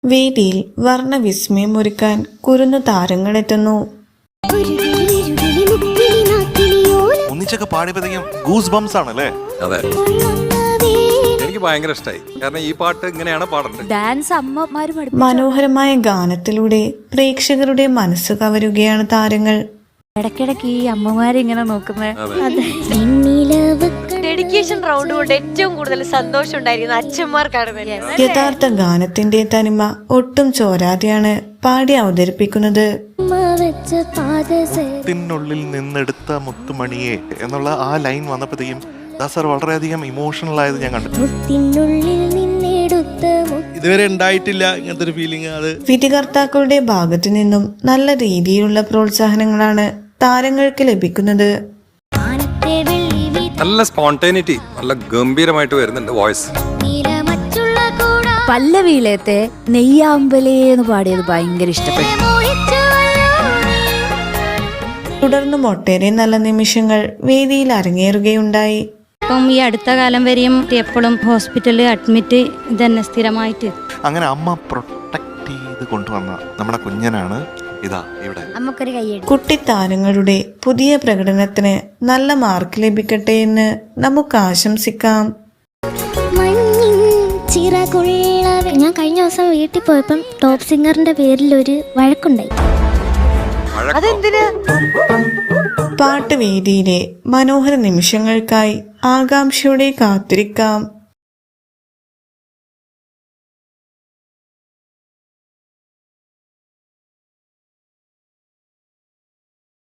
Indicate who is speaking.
Speaker 1: വേദിയിൽ വർണ്ണവിസ്മയം ഒരുക്കാൻ കുരുന്നു താരങ്ങളെത്തുന്നു.
Speaker 2: ഒന്നിച്ചൊക്കെ പാടിയപ്പോഴത്തേക്കും goose bumps ആണല്ലേ?
Speaker 3: അതെ, എനിക്ക് ഭയങ്കര ഇഷ്ടമായി. കാരണം ഈ പാട്ട് ഇങ്ങനെയാണ് പാടേണ്ടത്.
Speaker 4: ഡാൻസ് അമ്മമാരും
Speaker 1: മനോഹരമായ ഗാനത്തിലൂടെ പ്രേക്ഷകരുടെ മനസ്സ് കവരുകയാണ് താരങ്ങൾ.
Speaker 4: ഇടയ്ക്കിടയ്ക്ക് ഈ അമ്മമാരെ ഇങ്ങനെ നോക്കുന്നത്.
Speaker 5: ഡെഡിക്കേഷൻ റൗണ്ട് കൊണ്ട് ഏറ്റവും കൂടുതൽ സന്തോഷം ഉണ്ടായിരിക്കുന്ന അച്ഛന്മാർക്കാണ്.
Speaker 1: യഥാർത്ഥ ഗാനത്തിന്റെ തനിമ ഒട്ടും ചോരാതെയാണ് പാടി അവതരിപ്പിക്കുന്നത്.
Speaker 2: ത്തിനുള്ളിൽ നിന്നെടുത്ത മുത്തുമണിയെ എന്നുള്ള ആ ലൈൻ വന്നപ്പോഴത്തേക്കും ദാസർ വളരെയധികം ഇമോഷണൽ ആയത് ഞാൻ കണ്ടു.
Speaker 6: ഇതുവരെ ഉണ്ടായിട്ടില്ല ഇങ്ങനത്തെ ഒരു ഫീലിംഗ്. അത്
Speaker 1: വിധികർത്താക്കളുടെ ഭാഗത്തു നിന്നും നല്ല രീതിയിലുള്ള പ്രോത്സാഹനങ്ങളാണ് താരങ്ങൾക്ക് ലഭിക്കുന്നത്.
Speaker 3: നല്ല സ്പോണ്ടേനിറ്റി, നല്ല ഗംഭീരമായിട്ട് വരുന്നുണ്ട് വോയിസ്.
Speaker 4: പല്ലവിയിലത്തെ നെയ്യാമ്പലേന്ന് പാടിയത് ഭയങ്കര ഇഷ്ടപ്പെട്ടു.
Speaker 1: തുടർന്നും ഒട്ടേറെ നല്ല നിമിഷങ്ങൾ വേദിയിൽ അരങ്ങേറുകയുണ്ടായി.
Speaker 7: ഇപ്പം ഈ അടുത്ത കാലം വരെയും എപ്പോഴും ഹോസ്പിറ്റലിൽ അഡ്മിറ്റ് തന്നെ സ്ഥിരമായിട്ട്.
Speaker 2: അങ്ങനെ അമ്മ പ്രൊട്ടക്ട് ചെയ്ത് കൊണ്ടുവന്ന നമ്മുടെ കുഞ്ഞനാണ് ഇതാ ഇവിടെ.
Speaker 1: കുട്ടിത്താരങ്ങളുടെ പുതിയ പ്രകടനത്തിന് നല്ല മാർക്ക് ലഭിക്കട്ടെ എന്ന് നമുക്ക് ആശംസിക്കാം.
Speaker 8: ഞാൻ കഴിഞ്ഞ ദിവസം വീട്ടിൽ പോയപ്പം ടോപ്പ് സിംഗറിന്റെ പേരിൽ ഒരു വഴക്കുണ്ടായി.
Speaker 1: പാട്ടുവേദിയിലെ മനോഹര നിമിഷങ്ങൾക്കായി ആകാംക്ഷയോടെ കാത്തിരിക്കാം.